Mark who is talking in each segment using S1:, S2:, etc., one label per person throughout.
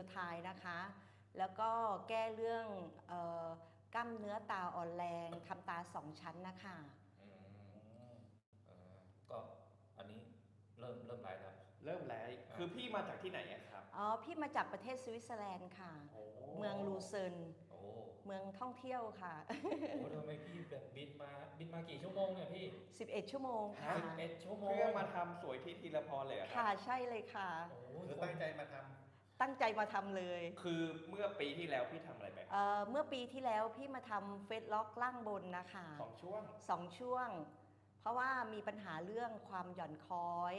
S1: ไทนะคะ แล้วก็แก้เรื่องกล้ามเนื้อตาอ่อนแรงทำตา2 ชั้นนะคะ
S2: อืมก็อันนี้เริ่มไลฟ์แล้ว
S3: เริ่มแล้วคือพี่มาจากที่ไหนอะครับ
S1: อ๋อพี่มาจากประเทศสวิตเซอร์แลนด์ค่ะเมืองลูเซิร์นเมืองท่องเที่ยวค่ะ
S2: โอ้ทำไมพี่แบบบินมากี่ชั่วโมงเนี่ยพี่
S1: 11 ชั่วโมงค่ะ
S2: 11 ชั่วโมง
S3: เพื่อมาทำสวยที่ทีละพรเลยอะครั
S1: ค่ะใช่เลยค่ะ
S4: คือตั้งใจมาทำ
S1: ตั้งใจมาทำเลย
S3: คือเมื่อปีที่แล้วพี่ทำอะไรไป
S1: เมื่อปีที่แล้วพี่มาทำเฟซล็อกล่างบนนะคะ
S3: ช่วง
S1: 2 ช่วง เพราะว่ามีปัญหาเรื่องความหย่อนคล้อย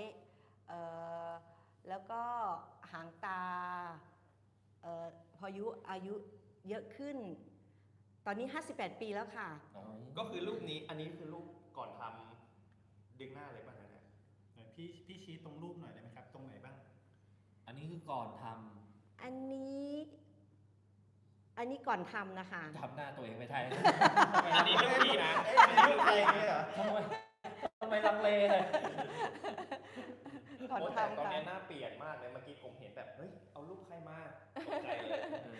S1: แล้วก็หางตาพออายุเยอะขึ้น ตอนนี้ 58 ปีแล้วค่ะ
S3: ก็คือรูปนี้อันนี้คือรูปก่อนทำดึงหน้าเลยป่ะเนี่ย
S4: พี่ชี้ตรงรูปหน่อยได้ไหมครับ ตรงไหนบ้าง
S2: อันนี้คือก่อนท
S1: อันนี้ก่อนทำนะคะ
S2: ำหน้าตัวเองไม่ได้
S3: อันนี้รูปพี่นะ
S4: รูปใครเนี่ยเหรอ
S2: ทำไมลังเลเลย
S1: ก่อน
S3: โอ้แต่
S1: ทำ
S3: ตอน
S1: ค่ะ
S3: นี้หน้าเปลี่ยนมากเลยเมื่อกี้ผมเห็นแบบเฮ้ยเอารูปใครมาตกใจเลย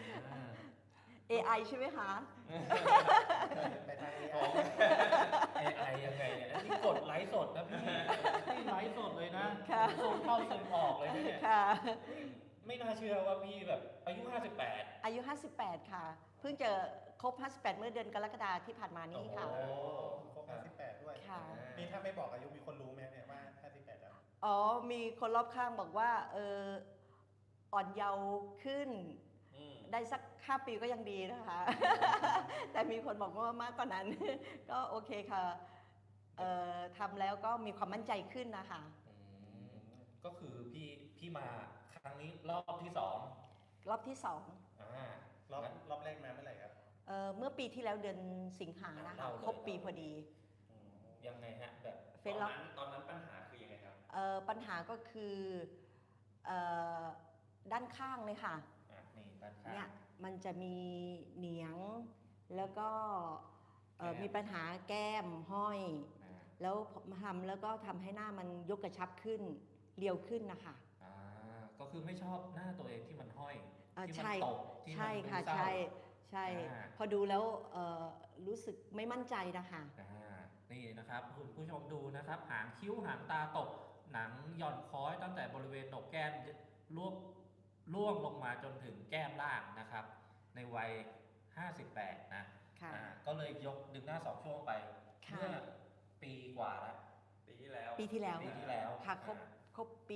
S1: AI ใช่ไหมคะ
S4: ไปทาง
S2: AI ยังไงเนี่ยนี่กดไลฟ์สดนะพี่ไลฟ์สดเลยนะ
S1: ค่ะ
S2: ซูมเข้าซูมออกเลยนะเนี่ย
S1: ค่ะ
S2: ไม่น่าเชื่อว่าพี่แบบอายุ 58
S1: อายุ 58 ค่ะ เพิ่งจะครบ 58 เมื่อเดือนกรกฎาคมที่ผ่านมานี้ค่ะ
S2: โอ้
S4: ครบ58ด้วย
S1: ค่ะ
S4: นี่ถ้าไม่บอกอายุมีคนรู้ไหมเนี่ยว่า58แล้ว
S1: อ๋อ มีคนรอบข้างบอกว่าอ่อนเยาว์ขึ้น ได้สัก5 ปีก็ยังดีนะคะ แต่มีคนบอกว่ามากกว่านั้น ก็โอเคค่ะทำแล้วก็มีความมั่นใจขึ้นนะคะ
S2: ก็คือพี่มาครั้งนี้รอบที่ 2
S1: รอบที่
S4: รอบแรกมาเมื่อไหร่ครับ
S1: 2เมื่อปีที่แล้วเดือนสิงหานะคะ ครบปีพอดี
S2: ยังไงฮะแบบ
S1: เฟซล็อก
S3: ตอนนั้นปัญหาคือยังไงครับ
S1: ปัญหาก็คือด้านข้างเลยค่ะ
S2: นี่ด้านข้าง
S1: เนี่ยมันจะมีเหนียงแล้วก็มีปัญหาแก้มห้อย แล้วทำแล้วก็ทำให้หน้ามันยกกระชับขึ้นเรียวขึ้นนะคะ
S2: ก็คือไม่ชอบหน้าตัวเองที่มันห้อยที่มัน
S1: ใช่
S2: ตกที่มัน
S1: ใช่ค่ะ
S2: ดูเศร้า
S1: ใช่พอดูแล้วรู้สึกไม่มั่นใจนะคะ
S2: นี่นะครับคุณผู้ชมดูนะครับหางคิ้วหางตาตกหนังหย่อนคล้อยตั้งแต่บริเวณโหนกแก้มล่วงลงมาจนถึงแก้มล่างนะครับ ในวัย 58 นะก็เลยยกดึงหน้า2 ช่วงไปเมื่อปีกว่าแล้ว
S3: ปีที่แล้ว
S2: ปีที่แล้ว
S1: ค่ะครบปี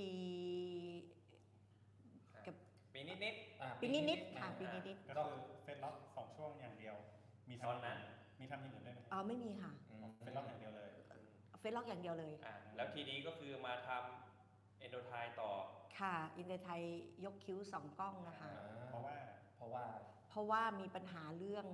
S3: ปีนิด
S1: ปีนิดๆค่ะปีนิด
S4: ก็คือเฟซล็อก2 ช่วงอย่างเดียว มี
S3: ตอนนั้น
S4: มีทำอย่างอื่นด้วยไหม
S1: ๆไม่มีค่ะ
S4: เฟซล็อกอย่างเดียวเลย
S1: เฟซล็อกอย่างเดียวเลย
S3: แล้วทีนี้ก็คือมาทำเอนโดไทต่อ
S1: ค่ะอินเตอร์ไทยยกคิ้ว2 กล้องนะคะ
S4: เพราะว่า
S1: เพราะว่ามีปัญหาเรื่อง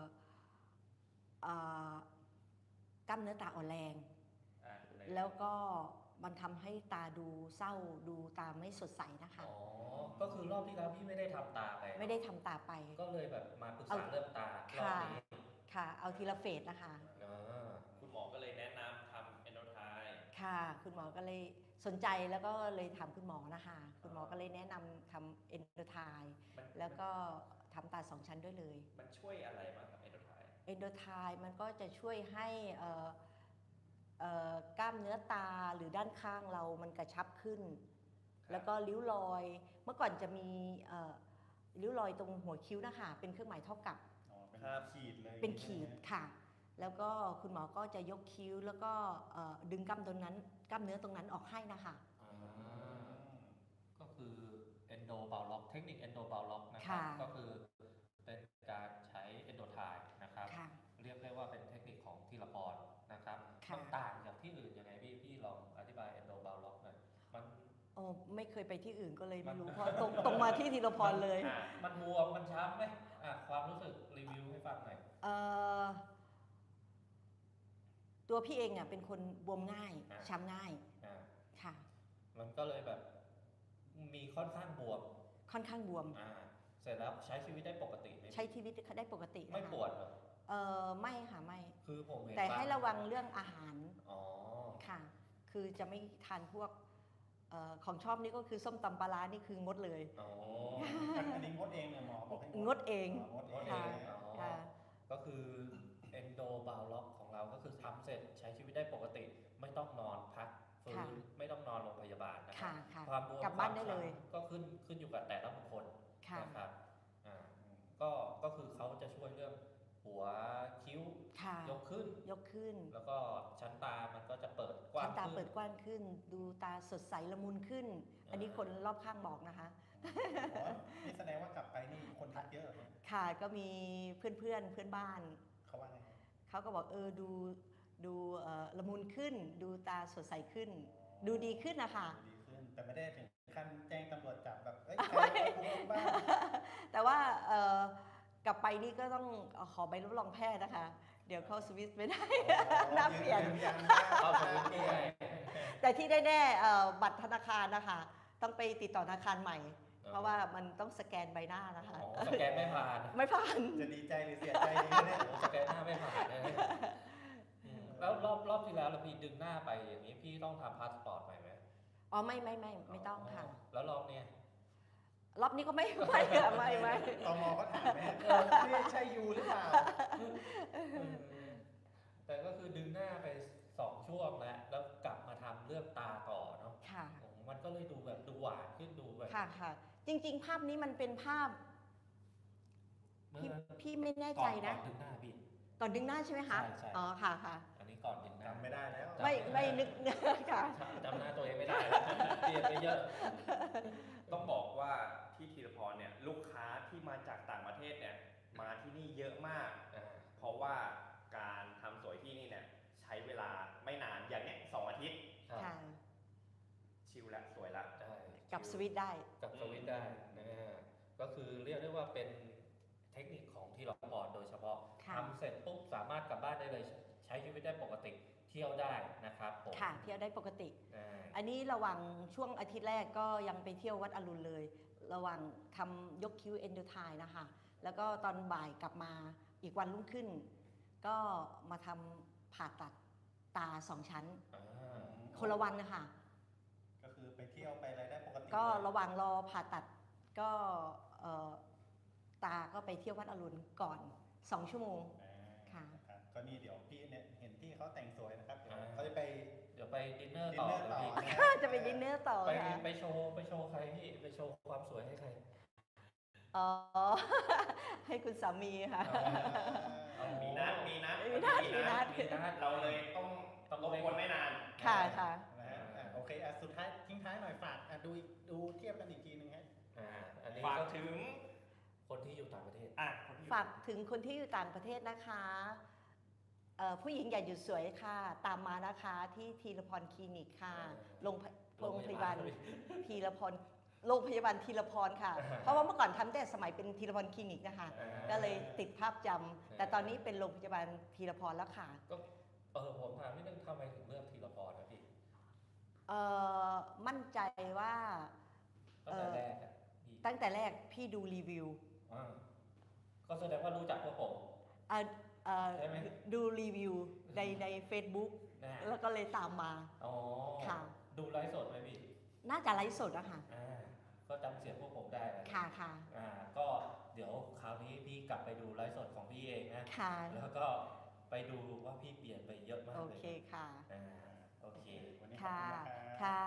S1: กล้ามเนื้อตาอ่อนแรง แล้วก็มันทำให้ตาดูเศร้าดูตาไม่สดใสนะคะ
S2: ก็คือรอบที่แล้วพี่ไม่ได้ทำตาไป
S1: ไม่ได้ทำตาไป
S2: ก็เลยแบบมาปรึกษาเรื่องตารอบนี้
S1: ค่ะ เอาทีละเฟสนะคะ
S3: คุณหมอก็เลยแนะนำทำเอนโดไท
S1: ค่ะ คุณหมอก็เลยสนใจแล้วก็เลยถามคุณหมอนะคะ คุณหมอก็เลยแนะนำทำเอนโดไทแล้วก็ทำตา2 ชั้นด้วยเลย
S3: มันช่วยอะไรบ้างครับเอนโดไท
S1: เอนโดไทมันก็จะช่วยให้กล้ามเนื้อตาหรือด้านข้างเรามันกระชับขึ้น แล้วก็ริ้วรอย เมื่อก่อนจะมีริ้วรอยตรงหัวคิ้วนะคะเป็นเครื่องหมายเท่ากับ
S4: เป็นขีดเลย
S1: เป็นขีดค่ะ แล้วก็คุณหมอก็จะยกคิ้วแล้วก็ดึงกล้ามเนื้อตรงนั้นออกให้นะคะ
S2: ก็คือ endo bow lock เทคนิค endo bow lock นะครับก็คือเป็นการใช้ endo tie นะครับเรียกได้ว่าเป็นเทคนิคของธีรพรนะครับมันต่างจากที่อื่นยังไงพี่ลองอธิบาย endo bow lock หน่อยมัน
S1: ไม่เคยไปที่อื่นก็เลยไม่รู้เพราะตรงมาที่ธีรพรเลย
S2: มันบวมมันช้ำไหมความรู้สึกรีวิวให้ฟังหน่อย
S1: ตัวพี่เองเป็นคนบวมง่ายช้ำง่ายค่ะ
S2: มันก็เลยแบบมีค่อนข้างบวมเสร็จแล้วใช้ชีวิตได้ปกติไหม
S1: ใช้ชีวิตได้ปกติ
S2: ไม่ปวดเหรอ
S1: ไม่ค่ะไม่
S2: คือผมเห็น
S1: แต่ให้ระวังเรื่องอาหาร
S2: อ๋อ
S1: ค่ะคือจะไม่ทานพวกของชอบนี่ก็คือส้มตำปลาร้านี่คืองดเลย
S2: อ๋อ
S4: อันนี้งดเองเนี่ยหมอบอกให้
S1: งดเอง
S4: งดเอง
S1: ค่ะ
S2: อ๋อ
S1: ค่ะ
S2: ก็คือ endo bow lock ของเราก็คือทำเสร็จใช้ชีวิตได้ปกติ ไม่ต้องนอนพักฟื้
S1: ค่ะ
S2: นไม่ต้องนอนโรงพยาบาลนะครั
S1: ค่ะ
S2: บ
S1: ค่ะ
S2: ความบวม
S1: กลับบ้านได้เลย
S2: ก็ขึ้นอยู่กับแต่ละบุคคล
S1: ค่ะ
S2: นะครับอ่าก็คือเขาจะช่วยเรื่องหัวคิ้ว
S1: ค่ะ
S2: ยกขึ้น
S1: ยกขึ้น
S2: แล้วก็ชั้นตามันก็จะเปิดกว้า
S1: ชั้
S2: ง
S1: นตา
S2: ขึ้น
S1: เปิดกว้างขึ้น ดูตาสดใสละมุนขึ้น อันนี้คนรอบข้างบอกนะคะ
S4: อ๋อนี่แสดงว่ากลับไปนี่คนทักเยอะเหรอเนี่ย
S1: ค่ะก็มีเพื่อนบ้าน
S4: เขาว่าไง
S1: เขาก็บอกดูละมุนขึ้น ดูตาสดใสขึ้น ดูดีขึ้นนะคะ
S4: ดีขึ้น แต่ไม่ได้ถึงขั้นแจ้งตำรวจจับแบบเอ้ยใครเอาคุกบ้าง
S1: แต่ว่ากลับไปนี่ก็ต้องขอใบรับรองแพทย์นะคะ เดี๋ยวเข้าสวิสไม่ได้ น่าเปลี่ยน
S4: ยืยันว่า
S2: เข้าสวิตช์ไม่ได้
S1: แต่ที่แน่ๆบัตรธนาคารนะคะ ต้องไปติดต่อธนาคารใหม่ เพราะว่ามันต้องสแกนใบหน้านะคะ
S2: อ๋อสแกนไม่ผ่าน
S1: ไม่ผ่าน
S4: จะดีใจหรือเสียใจดีเนี่ย
S2: โอ้สแกนหน้าไม่ผ่านเลยแล้วรอบที่แล้วเราพี่ดึงหน้าไปอย่างนี้พี่ต้องทำพาสปอร์ตใหม่ไหม
S1: อ๋อไม่ต้องค่ะ
S2: แล้วรอบเนี้ย
S1: รอบนี้ก็ไม่ค่ะไม่
S4: ตมก็ถามไหมนี่ใช่ยูหรือเปล่า
S2: แต่ก็คือดึงหน้าไป2 ช่วงแล้วกลับมาทำเรื่องตาต่อเนาะ
S1: ค่ะ
S2: มันก็เลยดูแบบดูหวานขึ้นดูแบบ
S1: ค่ะ จริงๆ ภาพนี้มันเป็นภาพ
S2: เมื่อ
S1: พี่ไม่แน่
S2: ก่
S1: ใจ
S2: อน
S1: นะ
S2: ดึงหน้าพี่
S1: ก่อนดึงหน้าใช่ไหมคะ
S2: ใช่
S1: อ๋อค่ะ
S2: อันนี้ก่อนดึงหน้า
S4: จำไม่ได้แล้ว
S1: ไม่นึก ค่ะ
S2: จำหน้าตัวเองไม่ได้แล้วเปลี่ยนไปเยอะ
S3: ต้องบอกว่าที่ธีรพรเนี่ยลูกค้าที่มาจากต่างประเทศเนี่ยมาที่นี่เยอะมาก เพราะว่าการทำสวยที่นี่เนี่ยใช้เวลาไม่นานอย่างเนี้ย2 อาทิตย์
S2: ครับ
S1: ค่ะ
S3: ชิลละสวยละ
S2: ได้
S1: กับสวิตช์ได้
S2: กับสวิตช์ได้นะฮะก็คือเรียกได้ว่าเป็นเทคนิคของที่เราพอโดยเฉพาะ
S1: ค่ะ
S2: ทำเสร็จปุ๊บสามารถกลับบ้านได้เลย ใช้ชีวิตได้ปกติเที่ยวได้นะครับผม
S1: ค่ะ เที่ยวได้ปกติ
S2: อ่า
S1: อันนี้ระหว่างช่วงอาทิตย์แรกก็ยังไปเที่ยววัดอรุณเลย ระหว่างทำยกคิ้วเอนโดไทนะคะ แล้วก็ตอนบ่ายกลับมาอีกวันรุ่งขึ้น ก็มาทำผ่าตัดตา2 ชั้น
S2: อ่า
S1: คนละวันนะคะ
S4: ก็คือไปเที่ยวไปอะไรได้ปกติ
S1: ก็
S4: เลย
S1: ระหว่างรอผ่าตัดก็ตาก็ไปเที่ยววัดอรุณก่อน 2 ชั่วโมง ค่ะ
S4: ครับก็นี่เดี๋ยวพี่เนี่ยเห็นที่เขาแต่งสวยนะครับ เดี๋ยว
S2: อ่า
S4: เขาจะไป
S2: เดี๋ยวไปดินเนอร์
S4: ดิน
S2: ต่อ
S4: เนอร์ต่อ
S2: พี่
S4: นะ
S1: จะไปดินเนอร์ต่อ
S2: ไป
S1: ค่ะ
S2: ไปโชว์ใครพี่ไปโชว์ความสวยให้ใคร
S1: อ๋อ ให้คุณสามีค่ะ
S3: มีนัด
S1: มีนัด
S2: มีนัด
S3: เราเลยต้องรบกวนไม่นาน
S1: ค่ะค่ะ
S4: นะฮะโอเคสุดท้ายทิ้งท้ายหน่อยฝากดูเทียบกันอีกทีนึงฮะ
S2: อันนี้
S3: ฝาก
S2: ก็
S3: ถึง
S2: คนที่อยู่ต่างประเทศ
S3: คนที่อยู่
S1: ฝากถึงคนที่อยู่ต่างประเทศนะคะผู้หญิงอย่าหยุดสวยค่ะ ตามมานะคะที่ทีรพรคลินิกค่ะโรงพยาบาลทีรพรโรงพยาบาลทีรพรค่ะ เพราะว่าเมื่อก่อนทำแต่สมัยเป็นทีรพรคลินิกนะคะ ก็เลยติดภาพจำแต่ตอนนี้เป็นโรงพยาบาลทีรพรแล้วค่ะ
S2: ก็ผมถามนิดนึงทำไมถึงเลือกทีละพรนะพี่
S1: มั่นใจว่า
S2: ตั้งแต่แรกอะพี่
S1: ตั้งแต่แรกพี่ดูรีวิว
S2: อ่าก็แสดงว่ารู้จักพวกผม ใช่ไหม
S1: ดูรีวิวใน Facebook
S2: นะฮะ
S1: แล้วก็เลยตามมา
S2: อ๋อ
S1: ค่ะ
S2: ดูไลฟ์สดไหมพี่
S1: น่าจะไลฟ์สดอะค่ะ
S2: ก็จำเสียงพวกผมได้นะ
S1: ค่ะค่ะ
S2: ก็เดี๋ยวคราวนี้พี่กลับไปดูไลฟ์สดของพี่เองนะ
S1: ค่ะ
S2: แล้วก็ไปดูว่าพี่เปลี่ยนไปเยอะมาก
S1: โอ
S2: เลย
S1: เคค่ะ
S2: โอเค
S4: วันนี้ขอบ
S1: ค่ะ
S4: คุณนะครับ
S1: ค่ะ